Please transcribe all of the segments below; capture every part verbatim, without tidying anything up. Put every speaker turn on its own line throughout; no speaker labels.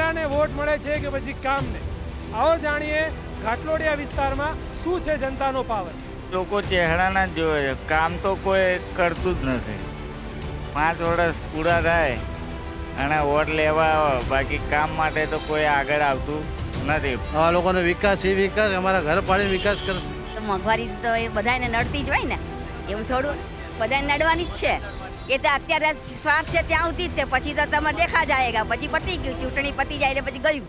ચહેરાને વોટ મળે છે કે પછી કામને? આવો જાણીએ ઘાટલોડિયા વિસ્તારમાં શું છે જનતાનો પાવર.
લોકો ચહેરાના જ જોવે છે, કામ તો કોઈ કરતું જ નથી. પાંચ વર્ષ પૂરા થાય અને વોટ લેવા આવે, બાકી કામ માટે તો કોઈ આગળ આવતું નથી.
આવા લોકોનો વિકાસ એ વિકાસ અમારા ઘર પાડીને વિકાસ કરશે.
તો મોંઘવારી તો એ બધાને નડતી જ હોય ને, એવું થોડું બધાને નડવાની જ છે. એ તો અત્યારે સ્વાર્થ છે ત્યાં સુધી જ તે, પછી તો તમે દેખા જાયગા, પછી પતી ગયું, ચૂંટણી પતી જાય એટલે પછી ગયું.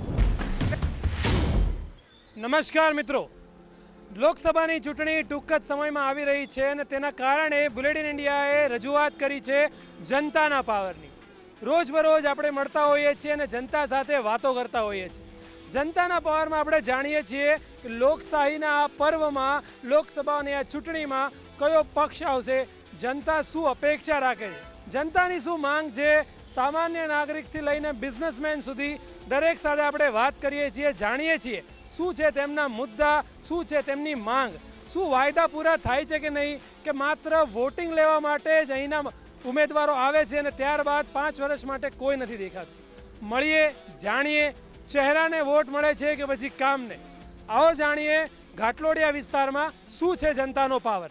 નમસ્કાર મિત્રો, લોકસભાની ચૂંટણી ટૂંક જ સમયમાં આવી રહી છે અને તેના કારણે બુલેટિન ઇન્ડિયાએ રજૂઆત કરી છે જનતાના પાવરની. રોજબરોજ આપણે મળતા હોઈએ છીએ અને જનતા સાથે વાતો કરતા હોઈએ છીએ. જનતાના પાવરમાં આપણે જાણીએ છીએ કે લોકશાહીના આ પર્વમાં, લોકસભાની આ ચૂંટણીમાં કયો પક્ષ આવશે, જનતા શું અપેક્ષા રાખે છે, જનતાની શું માંગ છે. સામાન્ય નાગરિકથી લઈને બિઝનેસમેન સુધી દરેક સાથે આપણે વાત કરીએ છીએ, જાણીએ છીએ શું છે તેમના મુદ્દા, શું છે તેમની માંગ, શું વાયદા પૂરા થાય છે કે નહીં, કે માત્ર વોટિંગ લેવા માટે જ અહીંના ઉમેદવારો આવે છે અને ત્યારબાદ પાંચ વર્ષ માટે કોઈ નથી દેખાતું. મળીએ, જાણીએ ચહેરાને વોટ મળે છે કે પછી કામને. આવો જાણીએ ઘાટલોડિયા વિસ્તારમાં શું છે જનતાનો પાવર.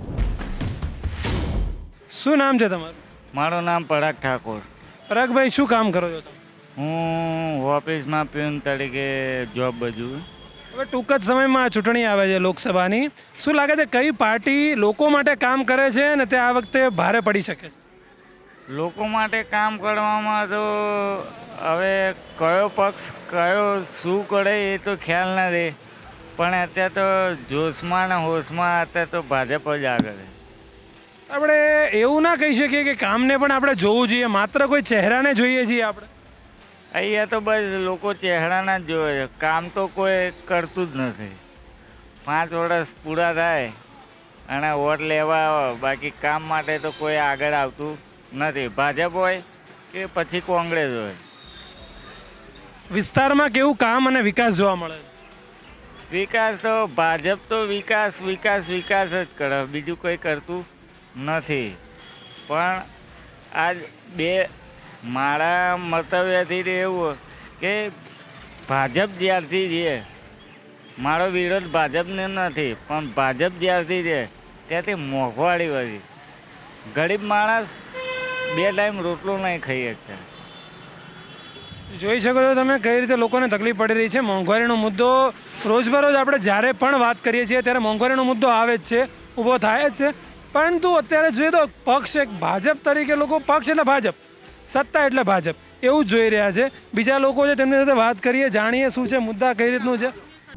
શું નામ છે તમારું?
મારું નામ પરાગ ઠાકોર.
પરાગભાઈ, શું કામ કરો છો તમે?
હું ઓફિસમાં પ્યુન તરીકે જોબ બજવું.
હવે ટૂંક જ સમયમાં ચૂંટણી આવે છે લોકસભાની. શું લાગે છે કઈ પાર્ટી લોકો માટે કામ કરે છે અને તે આ વખતે ભારે પડી શકે છે?
લોકો માટે કામ કરવામાં તો હવે કયો પક્ષ કયો શું કરે એ તો ખ્યાલ નથી, પણ અત્યારે તો જોશમાં ને હોશમાં અત્યારે તો ભાજપ જ આગળ છે.
આપણે એવું ના કહી શકીએ કે કામને પણ આપણે જોવું જોઈએ, માત્ર કોઈ ચહેરાને જોઈએ છીએ આપણે?
અહીંયા તો બસ લોકો ચહેરાના જ જોવે છે, કામ તો કોઈ કરતું જ નથી. પાંચ વર્ષ પૂરા થાય અને વોટ લેવા આવે, બાકી કામ માટે તો કોઈ આગળ આવતું નથી. ભાજપ હોય કે પછી કોંગ્રેસ હોય.
વિસ્તારમાં કેવું કામ અને વિકાસ જોવા મળે છે?
વિકાસ તો ભાજપ તો વિકાસ વિકાસ વિકાસ જ કરે, બીજું કંઈ કરતું નથી. પણ આજ બે મારા મંતવ્યથી એવું કે ભાજપ જ્યારથી છે, મારો વિરોધ ભાજપને નથી, પણ ભાજપ જ્યારથી છે ત્યાંથી મોંઘવારી વધી. ગરીબ માણસ બે ટાઈમ રોટલો નહીં ખાઈ શકતા.
જોઈ શકો છો તમે કઈ રીતે લોકોને તકલીફ પડી રહી છે. મોંઘવારીનો મુદ્દો રોજબરોજ આપણે જ્યારે પણ વાત કરીએ છીએ ત્યારે મોંઘવારીનો મુદ્દો આવે જ છે, ઊભો થાય જ છે. પરંતુ અત્યારે જોઈએ તો પક્ષ એક ભાજપ તરીકે લોકો, પક્ષ એટલે ભાજપ, સત્તા એટલે ભાજપ, એવું જ જોઈ રહ્યા છે. બીજા લોકો છે તેમની સાથે વાત કરીએ, જાણીએ શું છે મુદ્દા, કઈ રીતનું છે.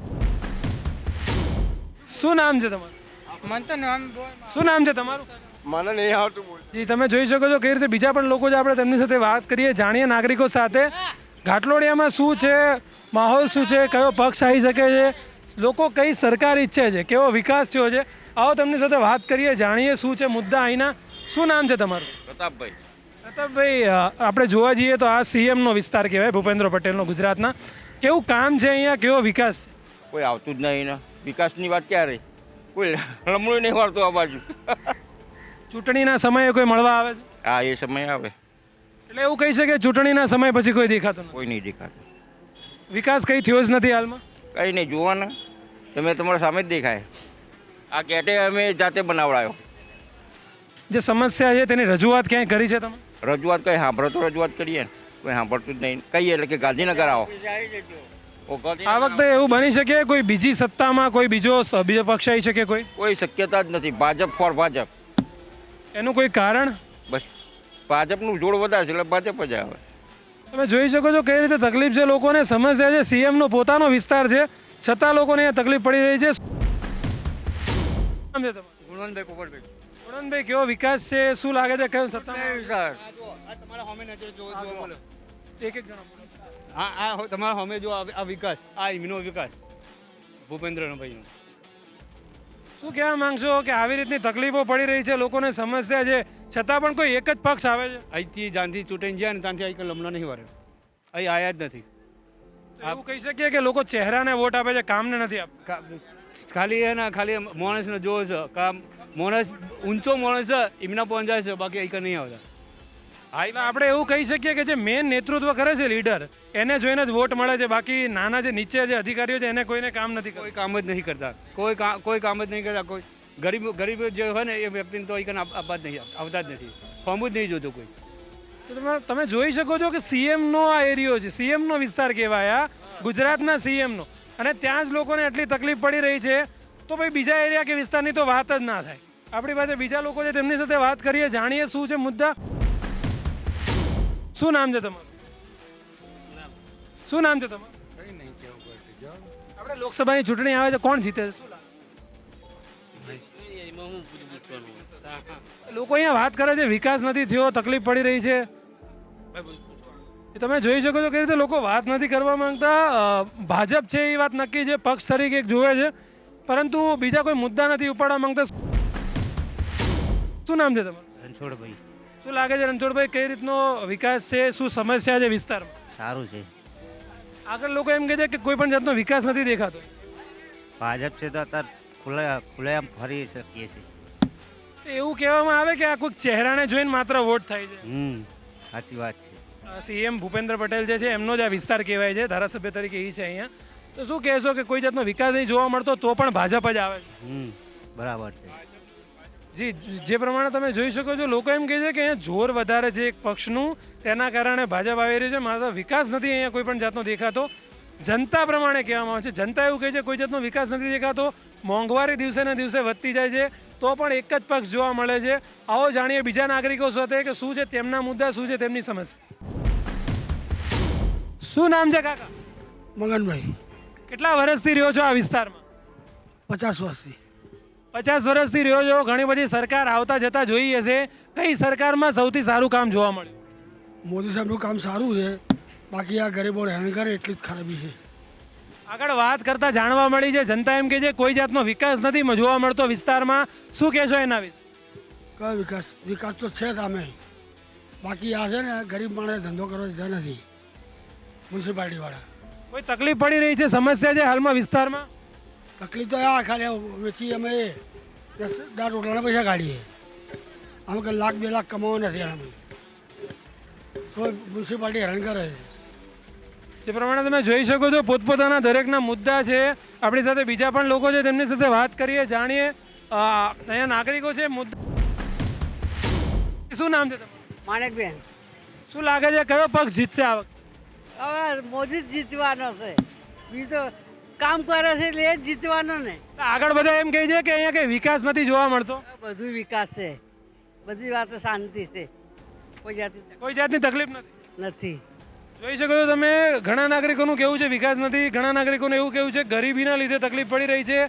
શું નામ છે તમારું? શું નામ છે તમારું?
મને નહીં આવતું.
જી, તમે જોઈ શકો છો કઈ રીતે બીજા પણ લોકો છે, આપણે તેમની સાથે વાત કરીએ, જાણીએ નાગરિકો સાથે ઘાટલોડિયામાં શું છે, માહોલ શું છે, કયો પક્ષ આવી શકે છે, લોકો કઈ સરકાર ઈચ્છે છે, કેવો વિકાસ થયો છે. આવો તેમની સાથે વાત કરીએ, જાણીએ શું છે મુદ્દા અહીંના. શું નામ છે તમારું?
પ્રતાપભાઈ.
પ્રતાપભાઈ, આપણે જોવા જઈએ તો આ સીએમનો વિસ્તાર કહેવાય, ભૂપેન્દ્ર પટેલનો ગુજરાતના. કેવું કામ છે અહીંયા, કેવો વિકાસ છે?
કોઈ આવતું જ નહીં ને વિકાસની વાત ક્યારે, કોઈ લમણું નહીં વાળતું આ બાજુ.
ચૂંટણીના સમયે કોઈ મળવા આવે છે?
હા, એ સમય આવે
એટલે એવું કહી શકે ચૂંટણીના સમય પછી કોઈ દેખાતું નથી,
કોઈ નહીં દેખાતું.
વિકાસ કઈ થયો જ નથી હાલમાં?
કંઈ નહીં, જુઓ ને તમે, તમારા સામે જ દેખાય. આ કેટે અમે જાતે બનાવડાયો.
જે સમસ્યા છે તેની રજૂઆત ક્યાંય કરી છે તમે?
રજૂઆત કંઈ સાંભળો તો રજૂઆત કરીએ ને, કોઈ સાંભળતું જ નહીં. કહીએ એટલે કે ગાંધીનગર આવો.
આ વખતે એવું બની શકે કોઈ બીજી સત્તામાં કોઈ બીજો બીજો પક્ષ આવી શકે? કોઈ
કોઈ શક્યતા જ નથી. ભાજપ ફોર ભાજપ.
એનું કોઈ કારણ?
બસ ભાજપનું જોડ વધારે છે એટલે ભાજપ જ આવે.
તમે જોઈ શકો છો કઈ રીતે તકલીફ છે લોકોને, સમસ્યા છે. સીએમનો પોતાનો વિસ્તાર છે છતાં લોકોને અહીંયા તકલીફ પડી રહી છે.
ગુણવંતભાઈ પોપટભાઈ.
ગુણવંતભાઈ, કેવો વિકાસ છે, શું લાગે છે કયો સત્તા? એક એક જણા બોલો.
હા આ તમારા સામે જો આ વિકાસ, આ ઇમનો વિકાસ ભૂપેન્દ્રનો ભાઈનો.
શું કહેવા માંગશો કે આવી રીતની તકલીફો પડી રહી છે, લોકોને સમસ્યા છે, છતાં પણ કોઈ એક જ પક્ષ આવે છે?
અહીંથી જ્યાંથી ચૂંટાઈને જાય ને ત્યાંથી અહીં લમણા નહીં વારે, અહીં આયા જ નથી.
એવું કહી શકીએ કે લોકો ચહેરાને વોટ આપે છે, કામને નથી આપતા?
ખાલી એના ખાલી માણસને જોવે છે, કામ માણસ ઊંચો માણસ છે એમના પહોંચાય છે, બાકી અહીં નહીં આવતા. હા
એટલે આપણે એવું કહી શકીએ કે જે મેન નેતૃત્વ કરે છે લીડર એને જોઈને જ વોટ મળે છે, બાકી નાના જે નીચે જે અધિકારીઓ છે એને કોઈને કામ નથી
કોઈ
કરતા.
કામ જ નહીં કરતા, કોઈ કામ કોઈ કામ જ નહીં કરતા. કોઈ ગરીબ ગરીબ જે હોય ને એ વ્યક્તિને તો અહીં આવવા જ નહીં, આવતા જ નથી, ફોર્મ જ નહીં જોતું કોઈ.
તો તમે તમે જોઈ શકો છો કે સીએમનો આ એરિયો છે, સીએમનો વિસ્તાર કહેવાય આ, ગુજરાતના સીએમનો, અને ત્યાં જ લોકોને આટલી તકલીફ પડી રહી છે, તો ભાઈ બીજા એરિયા કે વિસ્તારની તો વાત જ ના થાય. આપણી પાસે બીજા લોકો છે, તેમની સાથે વાત કરીએ, જાણીએ શું છે મુદ્દા. શું નામ છે તમારું? શું નામ છે તમારું? આપણે લોકસભાની ચૂંટણી આવે છે, કોણ જીતે છે શું લાગે? લોકો અહીંયા વાત કરે છે વિકાસ નથી થયો, તકલીફ પડી રહી છે. એ તમે જોઈ શકો છો કે રીતે લોકો વાત નથી કરવા માંગતા. અ, ભાજપ છે એ વાત નક્કી છે, પક્ષ તરીકે એક જોવે છે, પરંતુ બીજા કોઈ મુદ્દા નથી ઉપાડવા માંગતા. શું નામ છે તમારું?
રણછોડભાઈ
શું લાગે છે રણછોડભાઈ, કઈ રીતનો વિકાસ છે, શું સમસ્યા છે વિસ્તારમાં?
સારું છે.
આગળ લોકો એમ કહે છે કે કોઈ પણ જાતનો વિકાસ નથી દેખાતો.
ભાજપ છે તો અત્યારે ખુલ્લે ખુલ્લેઆમ ફરી શકીએ છીએ.
એવું કહેવામાં આવે કે આ કોઈક ચહેરાને જોઈને માત્ર વોટ થાય છે.
હમ સાચી વાત છે.
સીએમ ભૂપેન્દ્ર પટેલ જે છે એમનો જ આ વિસ્તાર કહેવાય છે, ધારાસભ્ય તરીકે એ છે અહીંયા. તો શું કહેશો કે કોઈ જાતનો વિકાસ નહીં જોવા મળતો તો પણ ભાજપ જ આવે છે?
હમ બરાબર છે.
જી, જે પ્રમાણે તમે જોઈ શકો છો, લોકો એમ કહે છે કે અહીંયા જોર વધારે છે એક પક્ષનું, તેના કારણે ભાજપ આવી રહી છે, માત્ર વિકાસ નથી અહીંયા કોઈ પણ જાતનો દેખાતો. જનતા પ્રમાણે કહેવામાં આવે છે, જનતા એવું કહે છે કોઈ જાતનો વિકાસ નથી દેખાતો, મોંઘવારી દિવસે ને દિવસે વધતી જાય છે, તો પણ એક જ પક્ષ જોવા મળે છે. આવો જાણીએ બીજા નાગરિકો સાથે કે શું છે તેમના મુદ્દા, શું છે તેમની સમસ્યા. શું નામ છે કાકા?
મગનભાઈ,
કેટલા વર્ષથી રહ્યો છો આ વિસ્તારમાં?
પચાસ વર્ષથી.
પચાસ વર્ષથી રહ્યો છો, ઘણી બધી સરકાર આવતા જતા જોઈ હશે, કઈ સરકારમાં સૌથી સારું કામ જોવા મળ્યું?
મોદી સાહેબનું કામ સારું છે, બાકી આ ગરીબો હેરાન કરે એટલી જ ખરાબી છે.
આગળ વાત કરતા જાણવા મળી છે, જનતા એમ કે છે કોઈ જાતનો વિકાસ નથી જોવા મળતો વિસ્તારમાં, શું કહેશો એના વિશે?
કયો વિકાસ? વિકાસ તો છે જ અમે, બાકી આ છે ને ગરીબ માણસે ધંધો કરવા દીધા નથી મ્યુનિસિપાલિટીવાળા.
કોઈ તકલીફ પડી રહી છે, સમસ્યા છે હાલમાં વિસ્તારમાં?
તકલીફ તો આ ખાલી વેચી અમે દસ દાર રોટલાના પૈસા કાઢીએ, અમે કે લાખ બે લાખ કમાવા નથી અમે, તો મ્યુનિસિપાલિટી હેરાન કરે છે.
જે પ્રમાણે તમે જોઈ શકો છો, પોતપોતાના દરેકના મુદ્દા છે. આપણી સાથે બીજા પણ લોકો છે, તેમની સાથે વાત કરીએ, જાણીએ. અ, અહીંયા નાગરિકો છે, મુદ્દા. શું નામ છે તમારું?
માણેકબેન,
શું લાગે છે કયો પક્ષ જીતશે આ વખતે?
હવે મોદી જ જીતવાનો છે, બીજું તો કામ કરે છે એટલે એ જ જીતવાનો ને.
આગળ બધા એમ કહે છે કે અહીંયા કઈ વિકાસ નથી જોવા મળતો.
બધું વિકાસ છે, બધી વાતો શાંતિ છે, કોઈ જાતિ
કોઈ જાતની તકલીફ નથી.
નથી.
જોઈ શકો છો તમે, ઘણા નાગરિકોનું કેવું છે વિકાસ નથી, ઘણા નાગરિકોનું એવું કેવું છે ગરીબીના લીધે તકલીફ પડી રહી છે.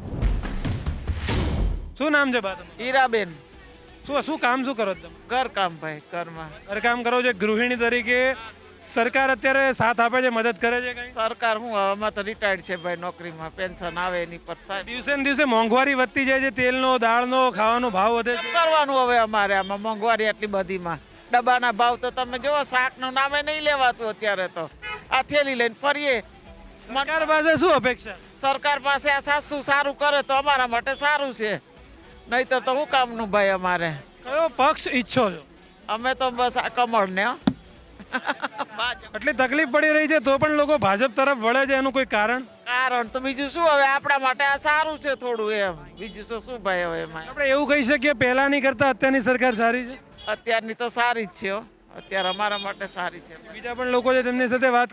શું નામ છે બા તમારું?
હીરાબેન,
શું શું કામ શું કરો છો તમે?
ઘરકામ ભાઈ, ઘરમાં
ઘરકામ કરો છો, ગૃહિણી તરીકે. સરકાર અત્યારે સાથ આપે છે, મદદ કરે છે કઈ?
સરકાર હું હવામાં તો રિટાયર્ડ છે ભાઈ, નોકરીમાં પેન્શન આવે એની પર થાય.
દિવસે ને દિવસે મોંઘવારી વધતી જાય છે, તેલનો, દાળનો, ખાવાનો ભાવ વધે
શું
છે.
કરવાનું હવે અમારે આમાં મોંઘવારી એટલી બધીમાં? ડબ્બાના ભાવ તો તમે જુઓ, શાકનું નામે નહીં લેવાતું અત્યારે તો. આ થેલી લઈને ફરીએ.
સરકાર પાસે શું અપેક્ષા?
સરકાર પાસે આ સાસુ સારું કરે તો અમારા માટે સારું છે, નહીતર તો શું કામનું ભાઈ અમારે.
કયો પક્ષ ઈચ્છો છો?
અમે તો બસ આ કમળ ને હો.
એટલી તકલીફ પડી રહી છે તો પણ લોકો ભાજપ તરફ વળે છે, એનું કોઈ કારણ?
કારણ તો બીજું શું, હવે આપણા માટે આ સારું છે થોડું એમ, બીજું શું શું ભાઈ હવે એમાં.
આપણે એવું કહી શકીએ પહેલાની કરતા અત્યારની સરકાર સારી છે?
અત્યારની તો સારી જ છે હો, અત્યારે અમારા માટે સારી છે.
બીજા પણ લોકો છે, તેમની સાથે વાત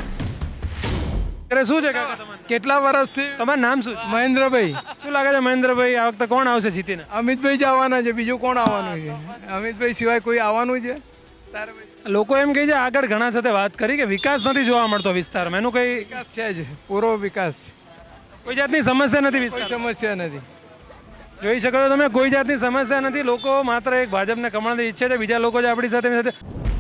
કરે. શું છે કાકા તમારું?
કેટલા વર્ષથી?
તમારું નામ શું છે?
મહેન્દ્રભાઈ.
શું લાગે છે મહેન્દ્રભાઈ, આ વખતે કોણ આવશે જીતીને?
અમિતભાઈ જ આવવાના છે, બીજું કોણ આવવાનું છે? અમિતભાઈ સિવાય કોઈ આવવાનું છે? તારે ભાઈ
લોકો એમ કહે છે, આગળ ઘણા સાથે વાત કરી કે વિકાસ નથી જોવા મળતો વિસ્તારમાં, એનું કઈ
વિકાસ છે જ, પૂરો વિકાસ છે,
કોઈ જાતની સમસ્યા નથી
કોઈ
વિસ્તારમાં?
સમસ્યા નથી.
જોઈ શકો છો તમે, કોઈ જાતની સમસ્યા નથી. લોકો માત્ર એક ભાજપને કમળની ઈચ્છે છે. બીજા લોકો છે આપણી સાથે સાથે.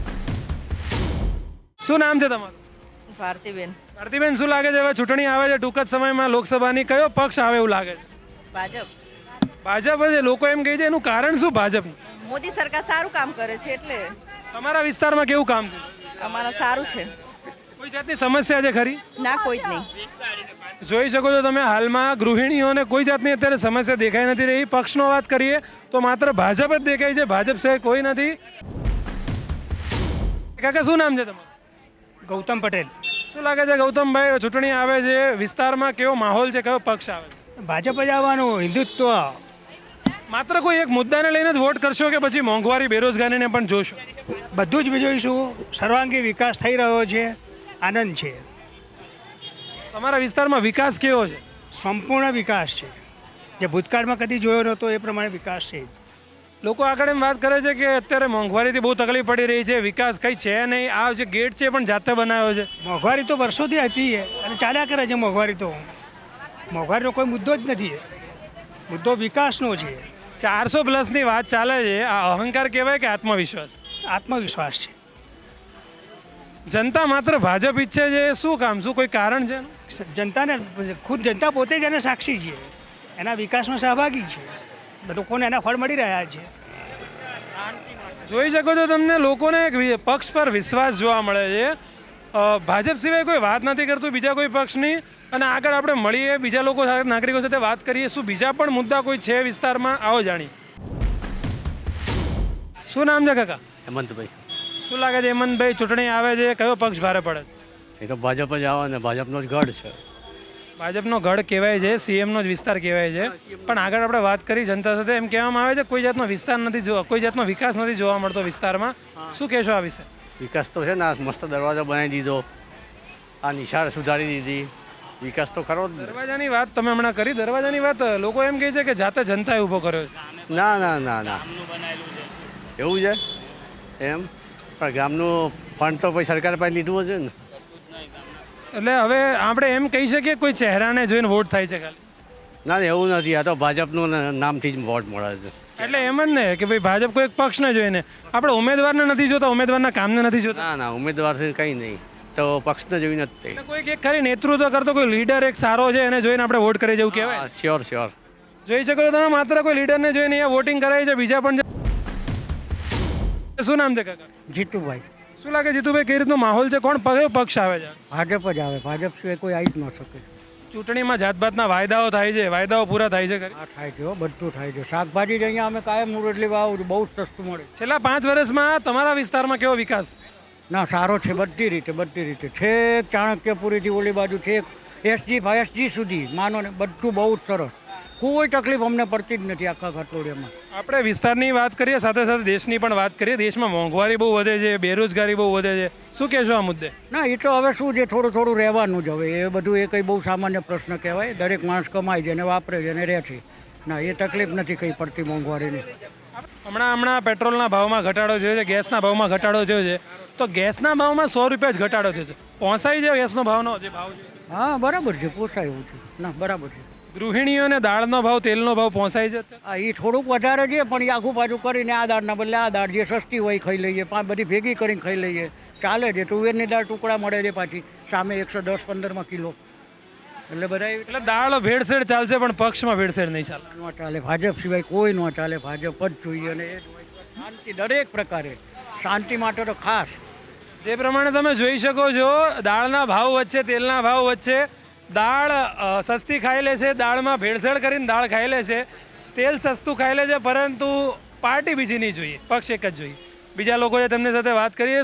શું નામ છે તમારું?
ભારતીબેન.
ભારતીબેન, શું લાગે છે હવે ચૂંટણી આવે છે ટૂંક જ સમયમાં લોકસભાની, કયો પક્ષ આવે એવું લાગે છે?
ભાજપ.
ભાજપ છે. લોકો એમ કહે છે, એનું કારણ શું ભાજપનું?
મોદી સરકાર સારું કામ કરે છે એટલે.
તમારા વિસ્તારમાં કેવું કામ છે?
અમારા સારું છે.
કોઈ જાતની સમસ્યા છે ખરી?
ના, કોઈ જ નહીં.
જોઈ શકો છો તમે, હાલમાં ગૃહિણીઓને કોઈ જાતની અત્યારે સમસ્યા દેખાઈ નથી રહી. પક્ષનો વાત કરીએ તો માત્ર ભાજપ જ દેખાય છે, ભાજપ સિવાય કોઈ નથી. કાકા શું નામ છે તમારું?
ગૌતમ પટેલ.
શું લાગે છે ગૌતમભાઈ, ચૂંટણી આવે છે, વિસ્તારમાં કેવો માહોલ છે, કયો પક્ષ આવે છે?
ભાજપ જ આવવાનું, હિન્દુત્વ.
માત્ર કોઈ એક મુદ્દાને લઈને જ વોટ કરશો કે પછી મોંઘવારી બેરોજગારીને પણ જોશો?
બધું જ જોઈશું. સર્વાંગી વિકાસ થઈ રહ્યો છે, આનંદ છે,
તમારા વિસ્તારમાં વિકાસ કેવો છે?
સંપૂર્ણ વિકાસ છે. જે ભૂતકાળમાં કદી જોયો નહોતો એ પ્રમાણે વિકાસ છે.
લોકો આગળ એમ વાત કરે છે કે અત્યારે મોંઘવારીથી બહુ તકલીફ પડી રહી છે, વિકાસ કંઈ છે નહીં, આ જે ગેટ છે એ પણ જાતે બનાવ્યો છે.
મોંઘવારી તો વર્ષોથી હતી અને ચાલ્યા કરે છે. મોંઘવારી તો મોંઘવારીનો કોઈ મુદ્દો જ નથી. મુદ્દો વિકાસનો છે.
ચારસો પ્લસની વાત ચાલે છે, આ અહંકાર કહેવાય કે આત્મવિશ્વાસ?
આત્મવિશ્વાસ છે.
જનતા માત્ર ભાજપ ઈચ્છે છે, શું કામ, શું કોઈ કારણ છે?
જનતાને ખુદ જનતા પોતે જ એને સાક્ષી છે, એના વિકાસમાં સહભાગી છે. લોકોને એના ફળ મળી રહ્યા છે.
જોઈ શકો છો તમને લોકોને એક વિ- પક્ષ પર વિશ્વાસ જોવા મળે છે. અ, ભાજપ સિવાય કોઈ વાત નથી કરતું બીજા કોઈ પક્ષની. અને આગળ આપણે મળીએ, બીજા લોકો સાથે, નાગરિકો સાથે વાત કરીએ, શું બીજા પણ મુદ્દા કોઈ છે વિસ્તારમાં, આવો જાણીએ. શું નામ છે કાકા?
હેમંતભાઈ.
શું લાગે છે હેમંતભાઈ, ચૂંટણી આવે છે, કયો પક્ષ ભારે પડે?
એ તો ભાજપ જ આવે ને, ભાજપનો જ ગઢ છે.
ભાજપનો ગઢ કહેવાય છે, સીએમનો જ વિસ્તાર કહેવાય છે. પણ આગળ આપણે વાત કરી જનતા સાથે, એમ કહેવામાં આવે છે કોઈ જાતનો વિસ્તાર નથી જોવા, કોઈ જાતનો વિકાસ નથી જોવા મળતો વિસ્તારમાં. શું કહેશો આ વિશે?
વિકાસ તો છે ને, આ મસ્ત દરવાજો બનાવી દીધો, આ નિશાળ સુધારી દીધી, વિકાસ તો ખરો જ.
દરવાજાની વાત તમે હમણાં કરી, દરવાજાની વાત લોકો એમ કહે છે કે જાતે જનતાએ ઊભો કર્યો છે.
ના ના ના ના એવું છે એમ, પણ ગામનું ફંડ તો પછી સરકાર પાસે લીધું હશે ને.
એટલે હવે આપણે એમ કહી શકીએ કોઈ ચહેરાને જોઈને વોટ થાય છે ખાલી?
ના ના એવું નથી, આ તો ભાજપનું નામથી જ વોટ મળે છે.
એટલે એમ જ ને કે ભાઈ ભાજપ કોઈ એક પક્ષને જોઈને, આપણે ઉમેદવારને નથી જોતા, ઉમેદવારના કામને નથી જોતા.
ના ના ઉમેદવારથી કંઈ નહીં, તો પક્ષને જોઈને જ તે.
એટલે કોઈક એક ખાલી નેતૃત્વ કરતો કોઈ લીડર એક સારો છે એને જોઈને આપણે વોટ કરી જવું કહેવાય.
Sure sure.
જોઈ શકો છો તમે, માત્ર કોઈ લીડરને જોઈને અહીંયા વોટિંગ કરાય છે, બીજા પણ છે. શું નામ છે કાકા?
જીતુભાઈ.
શું લાગે જીતુભાઈ, કઈ રીતનો માહોલ છે, કોણ કયો પક્ષ આવે છે?
ભાજપ જ આવે. ભાજપ સિવાય કોઈ આવી જ ન શકે.
ચૂંટણીમાં જાતભાતના વાયદાઓ થાય છે, વાયદાઓ પૂરા થાય છે ખરી?
આ થાય છે, બધું થાય છે. શાકભાજી જ અહીંયા અમે કાયમ મુરડલી વાવ બહુ જ સસ્તું મળે.
છેલ્લા પાંચ વર્ષમાં તમારા વિસ્તારમાં કેવો વિકાસ?
ના સારો છે, બધી રીતે બધી રીતે. છેક ચાણક્યપુરીથી ઓલી બાજુ છેક એસજી એસજી સુધી માનો ને, બધું બહુ જ સરસ. કોઈ તકલીફ અમને પડતી જ નથી આખા ઘટોડિયામાં.
આપણે વિસ્તારની વાત કરીએ, સાથે સાથે દેશની પણ વાત કરીએ. દેશમાં મોંઘવારી બહુ વધે છે, બેરોજગારી બહુ વધે છે, શું કહેશો આ મુદ્દે?
ના એ તો હવે શું છે, થોડું થોડું રહેવાનું જ. હવે એ બધું એ કંઈ બહુ સામાન્ય પ્રશ્ન કહેવાય. દરેક માણસ કમાય છે અને વાપરે છે અને રહે છે. ના એ તકલીફ નથી કંઈ પડતી મોંઘવારીની.
હમણાં હમણાં પેટ્રોલના ભાવમાં ઘટાડો થયો છે, ગેસના ભાવમાં ઘટાડો થયો છે, તો ગેસના ભાવમાં સો રૂપિયા જ ઘટાડો થયો છે. પહોંચાઈ જાય ગેસનો ભાવનો જે ભાવ છે?
હા બરાબર છે, પોસાય એવું છે. ના બરાબર છે.
ગૃહિણીઓને દાળનો ભાવ, તેલનો ભાવ પહોંચાઈ છે?
હા એ થોડુંક વધારે છે, પણ એ આખું પાછું કરીને આ દાળના બદલે આ દાળ જે સસ્તી હોય ખાઈ લઈએ, પાંચ બધી ભેગી કરીને ખાઈ લઈએ, ચાલે છે. તુવેરની દાળ ટુકડા મળે છે પાછી સામે એકસો દસ પંદરમાં કિલો. એટલે બધા
એટલે દાળ ભેળસેળ ચાલશે પણ પક્ષમાં ભેળસેળ નહીં ચાલે.
ન ચાલે. ભાજપ સિવાય કોઈ ન ચાલે. ભાજપ જ જોઈએ અને એ શાંતિ દરેક પ્રકારે. શાંતિ માટે તો ખાસ.
જે પ્રમાણે તમે જોઈ શકો છો, દાળના ભાવ વચ્ચે, તેલના ભાવ વચ્ચે, દાળ અ, સસ્તી ખાઈ લે છે, દાળમાં ભેળસેળ કરીને દાળ ખાઈ લે છે, તેલ સસ્તું ખાઈ લે છે, પરંતુ પાર્ટી બીજી નહીં જોઈએ, પક્ષ એક જ જોઈએ. બીજા લોકો છે તેમની સાથે વાત કરીએ.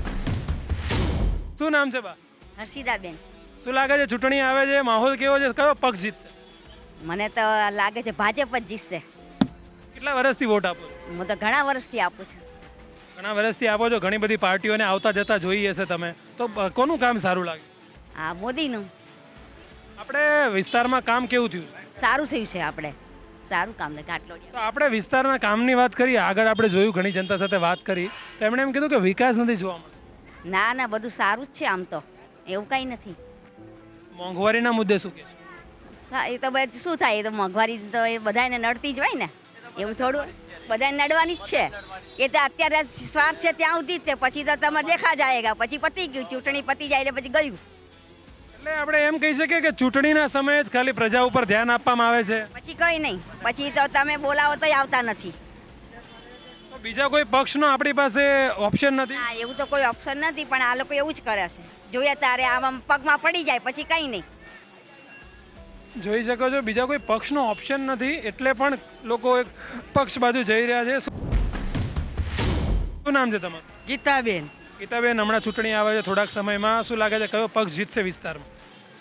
શું નામ છે બા?
હર્ષિદાબેન.
શું લાગે છે ચૂંટણી આવે છે, માહોલ કેવો છે, કયો પક્ષ જીતશે?
મને તો લાગે છે ભાજપ જ જીતશે.
કેટલા વર્ષથી વોટ આપો છો?
હું તો ઘણા વર્ષથી આપું છું.
ઘણા વર્ષથી આપો છો, ઘણી બધી પાર્ટીઓને આવતા જતા જોઈ હશે તમે, તો અ, કોનું કામ સારું લાગે?
આ મોદીનું
આપણે વિસ્તારમાં કામ કેવું થયું?
સારું થયું છે. આપણે સારું કામ ને ઘાટલોડિયા.
તો આપણે વિસ્તારના કામની વાત કરીએ. આગળ આપણે જોયું, ઘણી જનતા સાથે વાત કરી, તો એમણે એમ કીધું કે વિકાસ નથી જોવા મળતો.
ના ના બધું સારું જ છે આમ તો, એવું કંઈ નથી.
મોંઘવારીના મુદ્દે શું કહેશો?
સા- એ તો બધું શું થાય, એ તો મોંઘવારી તો એ બધાને નડતી જ હોય ને, એવું થોડું બધાને નડવાની જ છે. એ તો અત્યારે સ્વાર્થ છે ત્યાં સુધી જ તે, પછી તો તમે દેખા જાયગા, પછી પતી ગયું. ચૂંટણી પતી જાય એટલે પછી ગયું.
એટલે આપણે એમ કહી શકીએ કે ચૂંટણીના સમયે જ ખાલી પ્રજા ઉપર ધ્યાન આપવામાં આવે છે,
પછી કંઈ નહીં. પછી તો તમે બોલાવો તોય આવતા નથી.
તો બીજા કોઈ પક્ષનો આપણી પાસે ઓપ્શન નથી.
હા એવું તો કોઈ ઓપ્શન નથી, પણ આ લોકો એવું જ કરે છે. જોઈએ તારે આમ પગમાં પડી જાય પછી કંઈ નહીં.
જોઈ શકો છો, બીજા કોઈ પક્ષનો ઓપ્શન નથી, એટલે પણ લોકો એક પક્ષ બાજુ જઈ રહ્યા છે. શું નામ છે તમારું?
ગીતાબેન.
ગીતાબેન, હમણાં ચૂંટણી આવે છે થોડાક સમયમાં, શું લાગે છે કયો પક્ષ જીતશે વિસ્તારમાં?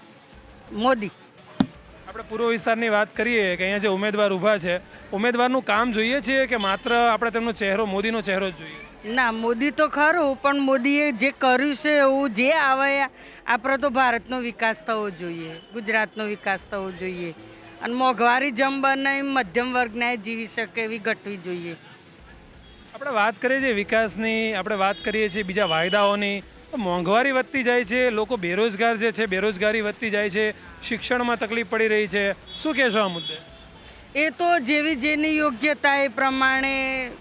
મોદી.
આપણે પૂર્વ વિસ્તારની વાત કરીએ કે અહીંયા જે ઉમેદવાર ઊભા છે, ઉમેદવારનું કામ જોઈએ છીએ કે માત્ર આપણે તેમનો ચહેરો, મોદીનો ચહેરો જ જોઈએ?
ના, મોદી તો ખરું, પણ મોદીએ જે કર્યું છે એવું જે આવે, આપણે તો ભારતનો વિકાસ થવો જોઈએ, ગુજરાતનો વિકાસ થવો જોઈએ, અને મોંઘવારી જમ બને મધ્યમ વર્ગને જીવી શકે એવી ઘટવી જોઈએ.
આપણે વાત કરીએ છીએ વિકાસની, આપણે વાત કરીએ છીએ બીજા વાયદાઓની, તો મોંઘવારી વધતી જાય છે, લોકો બેરોજગાર જે છે બેરોજગારી વધતી જાય છે, શિક્ષણમાં તકલીફ પડી રહી છે, શું કહેશો આ મુદ્દે?
એ તો જેવી જેની યોગ્યતા એ પ્રમાણે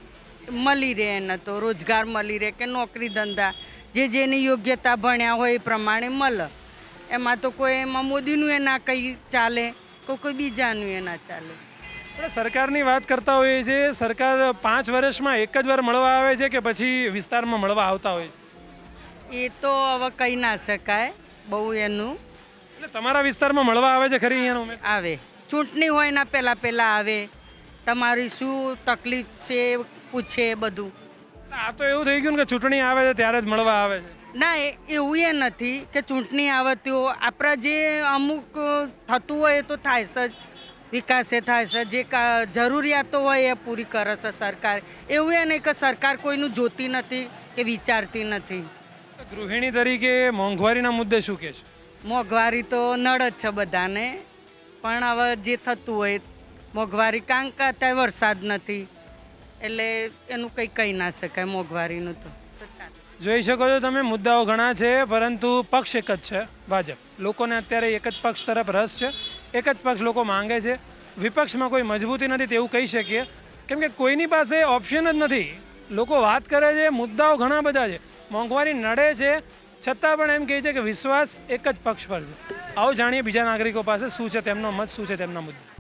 મળી રહે, એને તો રોજગાર મળી રહે કે નોકરી ધંધા, જે જેની યોગ્યતા ભણ્યા હોય એ પ્રમાણે મળે. એમાં તો કોઈ એમાં મોદીનું એ ના કંઈ ચાલે, કોઈ કોઈ બીજાનું એ ના ચાલે.
આપણે સરકારની વાત કરતા હોઈએ છીએ, સરકાર પાંચ વર્ષમાં એક જ વાર મળવા આવે છે કે પછી વિસ્તારમાં મળવા આવતા હોય છે?
એ તો હવે કહી ના શકાય બહુ એનું.
એટલે તમારા વિસ્તારમાં મળવા આવે છે ખરી અહીંયાનો ઉમેદવાર?
આવે, ચૂંટણી હોય એના પહેલાં પહેલાં આવે, તમારી શું તકલીફ છે પૂછે બધું.
આ તો એવું થઈ ગયું ને કે ચૂંટણી આવે છે ત્યારે જ મળવા આવે છે.
ના, એ એવું એ નથી કે ચૂંટણી આવે તો આપણા જે અમુક થતું હોય એ તો થાય છે જ, વિકાસ એ થાય છે, જે કા- જરૂરિયાતો હોય એ પૂરી કરે છે સરકાર. એવું એ નહીં કે સરકાર કોઈનું જોતી નથી કે વિચારતી નથી.
ગૃહિણી તરીકે મોંઘવારીના મુદ્દે શું કહે છે?
મોંઘવારી તો નળ જ છે બધાને, પણ હવે જે થતું હોય મોંઘવારી, કારણ કે અત્યારે વરસાદ નથી એટલે એનું કંઈ કહી ના શકાય મોંઘવારીનું તો. તો ચાલે.
જોઈ શકો છો તમે, મુદ્દાઓ ઘણા છે પરંતુ પક્ષ એક જ છે, ભાજપ. લોકોને અત્યારે એક જ પક્ષ તરફ રસ છે, એક જ પક્ષ લોકો માંગે છે. વિપક્ષમાં કોઈ મજબૂતી નથી તેવું કહી શકીએ, કેમ કે કોઈની પાસે ઓપ્શન જ નથી. લોકો વાત કરે છે, મુદ્દાઓ ઘણા બધા છે, મોંઘવારી નડે છે, છતાં પણ એમ કહે છે કે વિશ્વાસ એક જ પક્ષ પર છે. આવો જાણીએ બીજા નાગરિકો પાસે શું છે તેમનો મત, શું છે તેમના મુદ્દા.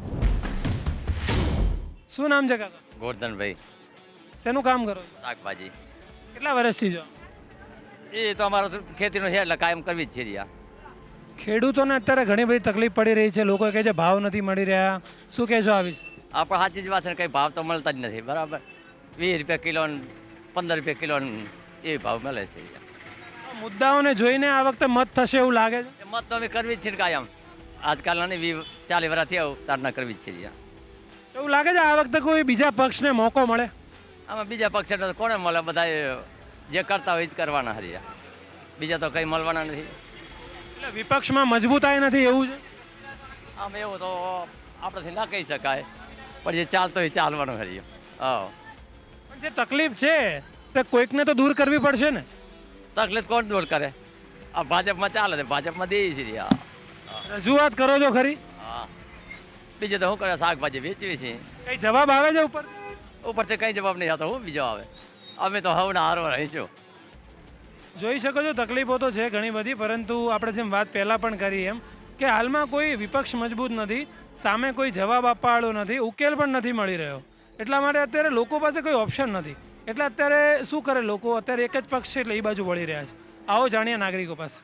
શું નામ છે કાકા?
ગોરધનભાઈ.
શેનું કામ કરો છો?
શાકભાજી.
કેટલા વર્ષથી જો?
એ તો અમારો ખેતીનો છે એટલે કાયમ કરવી જ છે રિયા.
ખેડૂતોને અત્યારે ઘણી બધી તકલીફ પડી રહી છે, લોકો કહે છે ભાવ નથી મળી રહ્યા, શું કહેશો આ વિશે?
આપણે સાચી જ વાત છે, કંઈ ભાવ તો મળતા જ નથી. બરાબર, વીસ રૂપિયા કિલો, પંદર રૂપિયા કિલો એ ભાવ મળે છે.
આ મુદ્દાઓને જોઈને આ વખતે મત થશે એવું લાગે છે?
એ મત તો અમે કરવી જ છે ને કાયમ. આજકાલના નહીં, વીસ ચાલીસ વર્ષ થયા તારના કરવી જ છે રિયા.
એવું લાગે છે આ વખતે કોઈ બીજા પક્ષને મોકો મળે?
આમાં બીજા પક્ષ કોને મળે? બધા જે કરતા હોય એ જ કરવાના હરિયા, બીજા તો કંઈ મળવાના નથી.
એટલે વિપક્ષમાં મજબૂતાઈ નથી એવું છે?
આમ એવું તો આપણાથી ના કહી શકાય, પણ જે ચાલતો હોય ચાલવાનું હરિયો. હા,
પણ જે તકલીફ છે તે કોઈકને તો દૂર કરવી પડશે ને?
તકલીફ કોણ દૂર કરે? આ ભાજપમાં ચાલે છે, ભાજપમાં દે છે રિયા.
રજૂઆત કરો છો ખરી?
હા, બીજે તો શું કરે? શાકભાજી વેચવી છે.
કઈ જવાબ આવે છે ઉપર?
ઉપરથી કંઈ જવાબ નહીં આવતો, હું બીજો આવે? અમે તો હવના હારવા રહીશું.
જોઈ શકો છો તકલીફો તો છે ઘણી બધી, પરંતુ આપણે જેમ વાત પહેલાં પણ કરી એમ કે હાલમાં કોઈ વિપક્ષ મજબૂત નથી, સામે કોઈ જવાબ આપવાવાળો નથી, ઉકેલ પણ નથી મળી રહ્યો. એટલા માટે અત્યારે લોકો પાસે કોઈ ઓપ્શન નથી, એટલે અત્યારે શું કરે લોકો? અત્યારે એક જ પક્ષ છે એટલે એ બાજુ વળી રહ્યા છે. આવો જાણીએ નાગરિકો પાસે.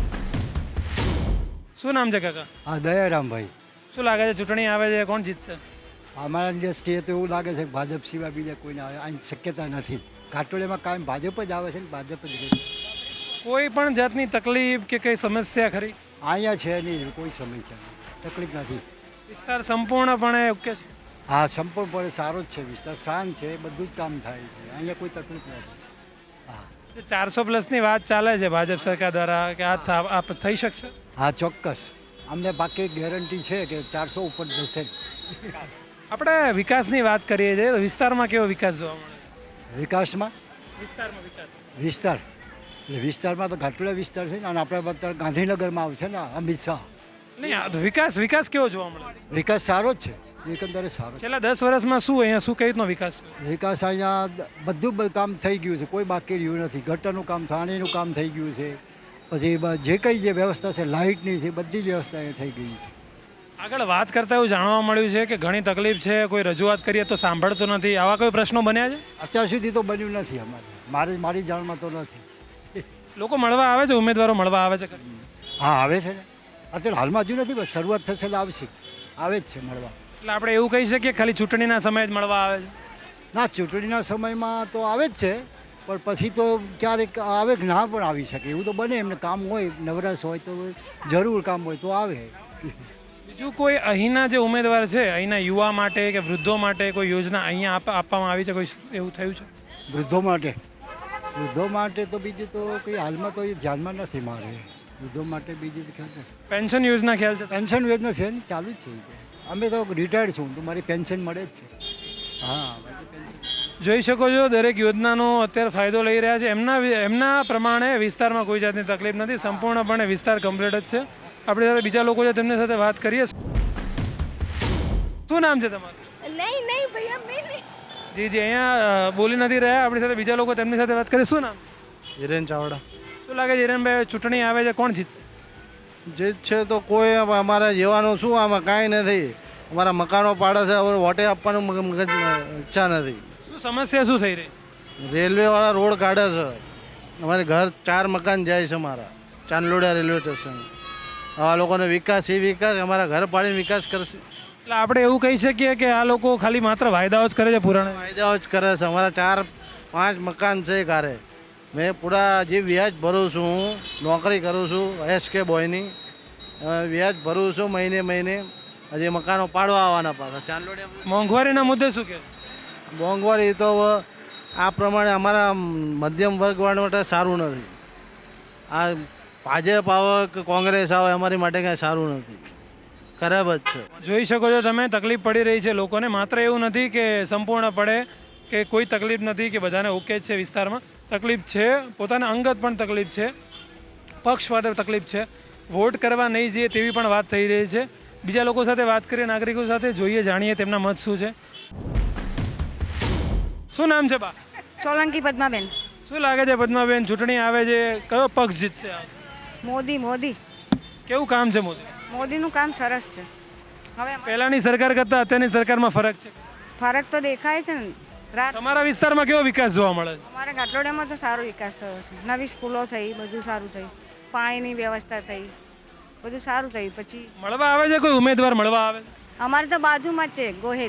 શું નામ છે કાકા?
હા, દયારામભાઈ.
શું લાગે છે ચૂંટણી આવે છે, કોણ જીતશે?
અમારા દ્રષ્ટિએ તો એવું લાગે છે કે ભાજપ સિવાય બીજા કોઈને આવે અહીં શક્યતા નથી. ઘાટોળીમાં કાયમ ભાજપ જ આવે છે ને ભાજપ જ રહેશે.
કોઈ પણ જાતની તકલીફ કે કઈ સમસ્યા ખરી?
અહીંયા છે નહીં, કોઈ સમસ્યા નહીં, તકલીફ નથી.
વિસ્તાર સંપૂર્ણપણે ઓકે છે?
હા, સંપૂર્ણપણે સારો જ છે વિસ્તાર, શાંત છે, બધું જ કામ થાય છે, અહીંયા કોઈ તકલીફ નથી. હા,
ચારસો પ્લસની વાત ચાલે છે ભાજપ સરકાર દ્વારા કે આ થા- આ થઈ શકશે?
હા, ચોક્કસ. અમને બાકી ગેરંટી છે કે ચારસો ઉપર જશે.
આપણે વિકાસની વાત કરીએ છીએ તો વિસ્તારમાં કેવો વિકાસ જોવા મળે?
વિકાસમાં
વિસ્તારમાં વિકાસ
વિસ્તાર એટલે વિસ્તારમાં તો ઘાટોળા વિસ્તાર છે ને, અને આપણે અત્યારે ગાંધીનગરમાં આવશે ને અમિત શાહ.
નહીં, આ તો વિકાસ વિકાસ કેવો જોવા મળે?
વિકાસ સારો જ છે, એકંદરે સારો છે.
છેલ્લા દસ વર્ષમાં શું અહીંયા શું કઈ રીતનો વિકાસ થયો?
વિકાસ અહીંયા બધું બ- કામ થઈ ગયું છે, કોઈ બાકી રહ્યું નથી. ગટરનું કામ, પાણીનું કામ થઈ ગયું છે, પછી બ- જે કંઈ જે વ્યવસ્થા છે લાઇટની છે, બધી જ વ્યવસ્થા અહીંયા થઈ ગઈ છે.
આગળ વાત કરતા એવું જાણવા મળ્યું છે કે ઘણી તકલીફ છે, કોઈ રજૂઆત કરીએ તો સાંભળતો નથી, આવા કોઈ પ્રશ્નો બન્યા છે?
અત્યાર સુધી તો બન્યું નથી અમારે, મારી મારી જાણમાં તો નથી.
લોકો મળવા આવે છે, ઉમેદવારો મળવા આવે છે ખરી?
હા, આવે છે ને, અત્યારે હાલમાં હજુ નથી, બસ શરૂઆત થશે એટલે આવશે, આવે જ છે મળવા.
એટલે આપણે એવું કહી શકીએ ખાલી ચૂંટણીના સમયે જ મળવા આવે છે?
ના, ચૂંટણીના સમયમાં તો આવે જ છે, પણ પછી તો ક્યારેક આવે કે ના પણ આવી શકે, એવું તો બને. એમને કામ હોય, નવરાશ હોય તો જરૂર કામ હોય તો આવે.
બીજું કોઈ અહીંના જે ઉમેદવાર છે અહીંના યુવા માટે કે વૃદ્ધો માટે કોઈ યોજના અહીંયા આપ- આપવામાં આવી છે, કોઈ એવું થયું છે?
વૃદ્ધો માટે વૃદ્ધો માટે તો બીજું તો કંઈ હાલમાં તો એ ધ્યાનમાં નથી મારે. વૃદ્ધો માટે બીજી તો ખ્યાલ નથી.
પેન્શન યોજના ખ્યાલ છે?
પેન્શન યોજના છે ને, ચાલુ જ છે એ તો. અમે તો રિટાયર્ડ છું તો મારી પેન્શન મળે જ છે. હા, બાકી પેન્શન.
જોઈ શકો છો દરેક યોજનાનો અત્યારે ફાયદો લઈ રહ્યા છે. એમના વિ- એમના પ્રમાણે વિસ્તારમાં કોઈ જાતની તકલીફ નથી, સંપૂર્ણપણે વિસ્તાર કમ્પ્લીટ જ છે. આપણી સાથે બીજા લોકો છે તેમની સાથે વાત કરીએ. શું નામ છે તમારું?
નહીં નહીં ભૈયા મેં નહીં.
જી જી અહીંયા અ, બોલી નથી રહ્યા. આપણી સાથે બીજા લોકો તેમની સાથે વાત કરીએ. શું નામ?
હિરેન ચાવડા.
શું લાગે છે હિરણભાઈ, ચૂંટણી આવે છે, કોણ જીતશે?
જે છે તો કોઈ અમારા જેવાનું શું, આમાં કાંઈ નથી. અમારા મકાનો પાડે છે, હવે વોટે આપવાનું મગ- મગજ ઈચ્છા નથી.
શું સમસ્યા શું થઈ રહી?
રેલવેવાળા રોડ કાઢે છે, અમારે ઘર ચાર મકાન જાય છે અમારા ચાંદલોડિયા રેલવે સ્ટેશન. આવા લોકોને વિકાસ એ વિકાસ અમારા ઘર પાડીને વિકાસ કરશે.
એટલે આપણે એવું કહી શકીએ કે આ લોકો ખાલી માત્ર વાયદાઓ જ કરે છે પુરાણા.
ફાયદાઓ જ કરે છે. અમારા ચાર પાંચ મકાન છે ઘરે. મેં પૂરા જે વ્યાજ ભરું છું, હું નોકરી કરું છું એસ કે બોયની, અ, વ્યાજ ભરું છું મહિને મહિને. હજી મકાનો પાડવા આવવાના પાછા ચાંદલોડિયા.
મોંઘવારીના મુદ્દે શું કહે?
મોંઘવારી તો હવે આ પ્રમાણે અમારા મધ્યમ વર્ગવાળા માટે સારું નથી. આ ભાજપ આવે કે કોંગ્રેસ આવે અમારી માટે કાંઈ સારું નથી, ખરાબ જ છે.
જોઈ શકો છો તમે, તકલીફ પડી રહી છે લોકોને. માત્ર એવું નથી કે સંપૂર્ણપણે કે કોઈ તકલીફ નથી કે બધાને ઓકે જ છે વિસ્તારમાં. તકલીફ છે, પોતાના અંગત પણ તકલીફ છે, પક્ષ માટે તકલીફ છે. વોટ કરવા નહીં જઈએ તેવી પણ વાત થઈ રહી છે. બીજા લોકો સાથે વાત કરીએ, નાગરિકો સાથે જોઈએ, જાણીએ તેમના મત શું છે. શું નામ છે બા?
સોલંકી પદ્માબેન.
શું લાગે છે પદ્માબેન, ચૂંટણી આવે છે, કયો પક્ષ જીતશે?
મોદી મોદી
કેવું કામ છે મોદી?
મોદીનું કામ સરસ છે. હવે
પહેલાની સરકાર કરતાં અત્યારની સરકારમાં ફરક છે?
ફરક તો દેખાય છે ને. રાત
તમારા વિસ્તારમાં કેવો વિકાસ જોવા મળે છે?
અમારા ગાટલોડિયામાં તો સારો વિકાસ થયો છે. નવી સ્કૂલો થઈ, બધું સારું થયું, પાણીની વ્યવસ્થા થઈ, બધું સારું થયું. પછી
મળવા આવે છે કોઈ ઉમેદવાર મળવા આવે છે?
અમારે તો બાજુમાં જ છે ગોહિલ,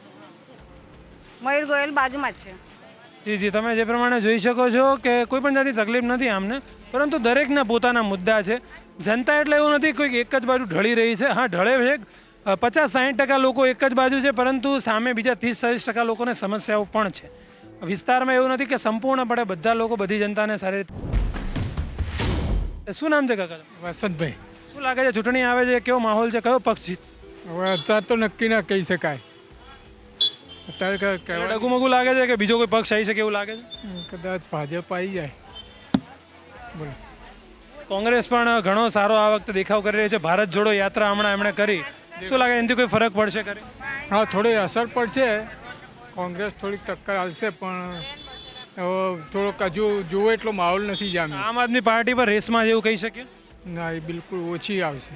મયુર ગોયલ બાજુમાં જ છે.
જી જી તમે જે પ્રમાણે જોઈ શકો છો કે કોઈ પણ જાતની તકલીફ નથી આમને, પરંતુ દરેકના પોતાના મુદ્દા છે. જનતા એટલે એવું નથી કોઈ એક જ બાજુ ઢળી રહી છે. હા, ઢળે છે. પચાસ સાઠ ટકા લોકો એક જ બાજુ છે, પરંતુ સામે બીજા ત્રીસ ચાલીસ ટકા લોકોને સમસ્યાઓ પણ છે. વિસ્તારમાં એવું નથી કે સંપૂર્ણપણે બધા લોકો બધી જનતાને સારી રીતે. શું નામ છે કાકા?
વસંતભાઈ.
શું લાગે છે ચૂંટણી આવે છે, કેવો માહોલ છે, કયો પક્ષ જીતશે?
હવે અત્યારે તો નક્કી ના કહી શકાય. અત્યારે ક- કહેવાય
ડગુમગુ લાગે છે કે બીજો કોઈ પક્ષ આવી શકે એવું લાગે છે?
કદાચ ભાજપ આવી જાય. બોલો.
કોંગ્રેસ પણ ઘણો સારો આ વખતે દેખાવ કરી રહી છે. ભારત જોડો યાત્રા હમણાં એમણે કરી. શું લાગે એનાથી કોઈ ફરક પડશે ખરી?
હા, થોડી અસર પડશે. કોંગ્રેસ થોડીક ટક્કર હાલશે, પણ હવે થોડોક હજુ જોવો એટલો માહોલ નથી જામ્યો.
આમ આદમી પાર્ટી પર રેસમાં જેવું કહી શકીએ?
ના, એ બિલકુલ ઓછી આવશે.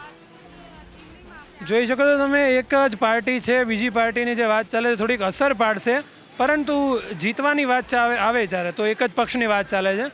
જોઈ શકો છો તમે, એક જ પાર્ટી છે, બીજી પાર્ટીની જે વાત ચાલે છે થોડીક અસર પાડશે, પરંતુ જીતવાની વાત ચાવે આવે જ્યારે તો એક જ પક્ષની વાત ચાલે છે.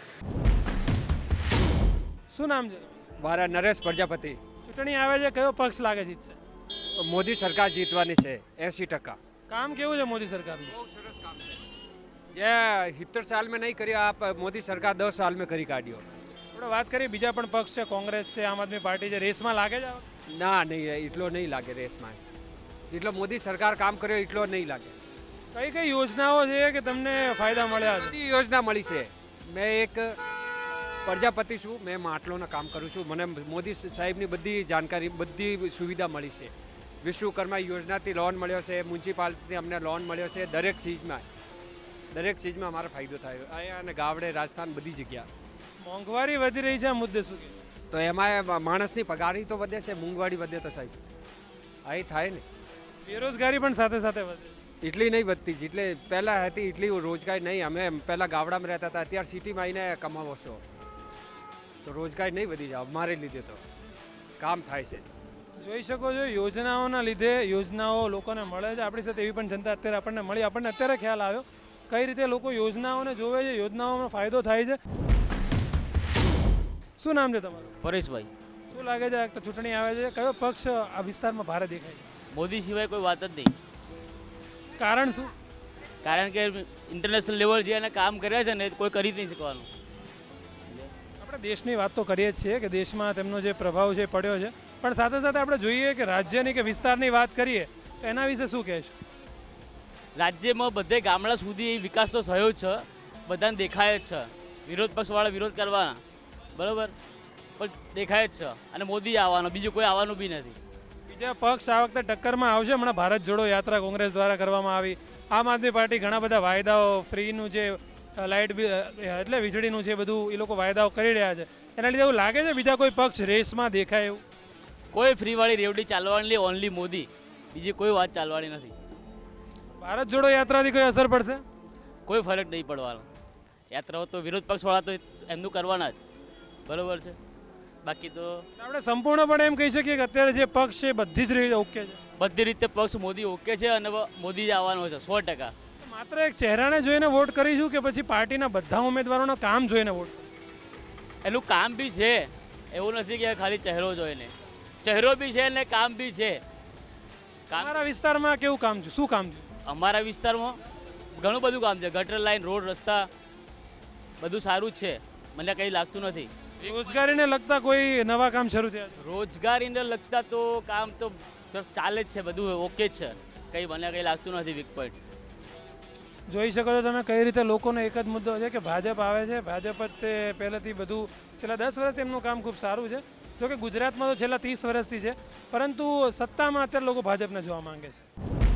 શું નામ છે?
મારા નરેશ પ્રજાપતિ.
ચૂંટણી આવે છે, કયો પક્ષ લાગે જીતશે?
મોદી સરકાર જીતવાની છે એસી ટકા.
કામ કેવું છે મોદી સરકારનું?
બહુ સરસ કામ છે. જે સિત્તેર સાલ મેં નહીં કર્યો આ મોદી સરકાર દસ સાલ મેં કરી કાઢ્યો.
આપણે વાત કરીએ, બીજા પણ પક્ષ છે, કોંગ્રેસ છે, આમ આદમી પાર્ટી છે, રેસમાં લાગે છે?
ના નહીં, એટલો નહીં લાગે રેસમાં. જેટલો મોદી સરકાર કામ કર્યો એટલો નહીં લાગે.
કઈ કઈ યોજનાઓ છે કે તમને ફાયદા મળ્યા છે?
બધી યોજના મળી છે. મેં એક પ્રજાપતિ છું, મેં માટલોના કામ કરું છું. મને મોદી સાહેબની બધી જાણકારી, બધી સુવિધા મળી છે. વિશ્વકર્મા યોજનાથી લોન મળ્યો છે, મ્યુનિસિપાલિટીથી અમને લોન મળ્યો છે. દરેક ચીજમાં દરેક ચીજમાં અમારો ફાયદો થયો. અહીંયા અને ગાવડે, રાજસ્થાન, બધી જગ્યા.
મોંઘવારી વધી રહી છે, આ મુદ્દે શું કહે?
તો એમાં માણસની પગારી તો વધે છે, મોંઘવારી વધે તો સાહેબ આ એ થાય ને.
બેરોજગારી પણ સાથે સાથે વધે.
એટલી નહીં વધતી જેટલે પહેલાં હતી એટલી રોજગારી નહીં. અમે પહેલાં ગામડામાં રહેતા હતા, અત્યારે સિટીમાં આવીને કમાવો છો તો રોજગારી નહીં વધી જાય. અમારે લીધે તો કામ થાય છે.
જોઈ શકો છો, યોજનાઓના લીધે યોજનાઓ લોકોને મળે છે. આપણી સાથે એવી પણ જનતા અત્યારે આપણને મળી. આપણને અત્યારે ખ્યાલ આવ્યો કઈ રીતે લોકો યોજનાઓને જોવે છે, યોજનાઓનો ફાયદો થાય છે. શું નામ છે તમારું?
પરેશભાઈ.
શું લાગે છે આ ચૂંટણી આવે છે, કયો પક્ષ આ વિસ્તારમાં ભારે દેખાય છે?
મોદી સિવાય કોઈ વાત જ નહીં.
કારણ શું?
કારણ કે ઇન્ટરનેશનલ લેવલ જે એને કામ કર્યા છે ને કોઈ કરી જ નહીં શકવાનું.
આપણે દેશની વાત તો કરીએ જ છીએ કે દેશમાં તેમનો જે પ્રભાવ છે પડ્યો છે, પણ સાથે સાથે આપણે જોઈએ કે રાજ્યની કે વિસ્તારની વાત કરીએ તો એના વિશે શું કહેશો?
રાજ્યમાં બધે ગામડા સુધી વિકાસ તો થયો જ છે, બધાને દેખાય જ છે. વિરોધ પક્ષવાળા વિરોધ કરવાના બરાબર, પણ દેખાય જ છે. અને મોદી આવવાનો, બીજું કોઈ આવવાનું બી નથી.
બીજા પક્ષ આ વખતે ટક્કરમાં આવશે. હમણાં ભારત જોડો યાત્રા કોંગ્રેસ દ્વારા કરવામાં આવી. આમ આદમી પાર્ટી ઘણા બધા વાયદાઓ, ફ્રીનું જે લાઇટ બિલ એટલે વીજળીનું છે બધું એ લોકો વાયદાઓ કરી રહ્યા છે. એના લીધે એવું લાગે છે બીજા કોઈ પક્ષ રેસમાં દેખાય એવું?
કોઈ ફ્રીવાળી રેવડી ચાલવાની ઓનલી મોદી, બીજી કોઈ વાત ચાલવાની નથી.
ભારત જોડો યાત્રાથી કોઈ અસર પડશે?
કોઈ ફરક નહીં પડવાનો. યાત્રાઓ તો વિરોધ પક્ષવાળા તો એમનું કરવાના જ બરાબર છે. બાકી તો
આપણે સંપૂર્ણપણે એમ કહી શકીએ કે અત્યારે જે પક્ષ છે બધી જ રીતે ઓકે છે.
બધી રીતે પક્ષ મોદી ઓકે છે અને મોદી જ આવવાનો છે સો ટકા.
માત્ર એક ચહેરાને જોઈને વોટ કરીશું કે પછી પાર્ટીના બધા ઉમેદવારોના કામ જોઈને વોટ?
એનું કામ બી છે, એવું નથી કે ખાલી ચહેરો જોઈને. ચહેરો બી છે ને કામ બી છે.
અમારા વિસ્તારમાં કેવું કામ છે, શું કામ છે?
અમારા વિસ્તારમાં ઘણું બધું કામ છે. ગટર લાઈન, રોડ, રસ્તા બધું સારું જ છે. મને કંઈ લાગતું નથી.
રોજગારીને લગતા કોઈ નવા કામ શરૂ થયા છે?
રોજગારીને લગતા તો કામ તો ચાલે જ છે, બધું ઓકે જ છે. કંઈ મને કંઈ લાગતું નથી વીક પોઈન્ટ.
જોઈ શકો છો તમે કઈ રીતે લોકોનો એક જ મુદ્દો છે કે ભાજપ આવે છે. ભાજપ જ તે પહેલેથી બધું છેલ્લા દસ વર્ષથી એમનું કામ ખૂબ સારું છે. જો કે ગુજરાતમાં તો છેલ્લા ત્રીસ વર્ષથી છે, પરંતુ સત્તામાં અત્યારે લોકો ભાજપને જોવા માંગે છે.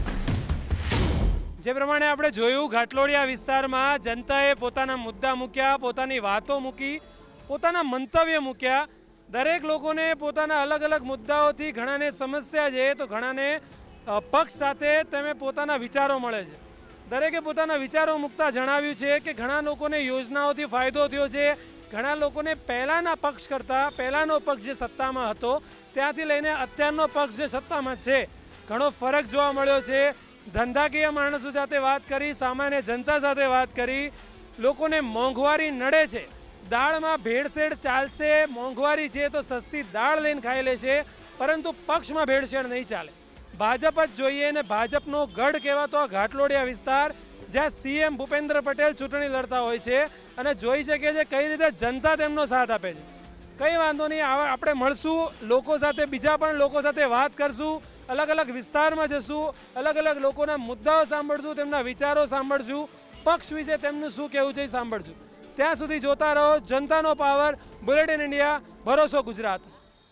જે પ્રમાણે આપણે જોયું, ઘાટલોડિયા વિસ્તારમાં જનતાએ પોતાના મુદ્દા મૂક્યા, પોતાની વાતો મૂકી, પોતાના મંતવ્ય મૂક્યા. દરેક લોકોને પોતાના અલગ અલગ મુદ્દાઓથી ઘણાને સમસ્યા છે તો ઘણાને પક્ષ સાથે તમે પોતાના વિચારો મળે છે. દરેકે પોતાના વિચારો મૂકતા જણાવ્યું છે કે ઘણા લોકોને યોજનાઓથી ફાયદો થયો છે. ઘણા લોકોને પહેલાંના પક્ષ કરતાં પહેલાંનો પક્ષ જે સત્તામાં હતો ત્યાંથી લઈને અત્યારનો પક્ષ જે સત્તામાં છે ઘણો ફરક જોવા મળ્યો છે. ધંધાકીય માણસો સાથે વાત કરી, સામાન્ય જનતા સાથે વાત કરી. લોકોને મોંઘવારી નડે છે, દાળમાં ભેળસેળ ચાલશે, મોંઘવારી છે તો સસ્તી દાળ લઈને ખાઈ લેશે, પરંતુ પક્ષમાં ભેળસેળ નહીં ચાલે. ભાજપ જ જોઈએ ને ભાજપનો ગઢ કહેવાતો આ ઘાટલોડિયા વિસ્તાર, જ્યાં સીએમ ભૂપેન્દ્ર પટેલ ચૂંટણી લડતા હોય છે અને જોઈ શકે છે કઈ રીતે જનતા તેમનો સાથ આપે છે. કંઈ વાંધો નહીં, આપણે મળશું લોકો સાથે, બીજા પણ લોકો સાથે વાત કરશું, અલગ અલગ વિસ્તારમાં જશું, અલગ અલગ લોકોના મુદ્દાઓ સાંભળશું, તેમના વિચારો સાંભળશું, પક્ષ વિશે તેમનું શું કહેવું છે એ સાંભળશું. ત્યાં સુધી જોતા રહો જનતાનો પાવર, બુલેટિન ઇન્ડિયા, ભરોસો ગુજરાત.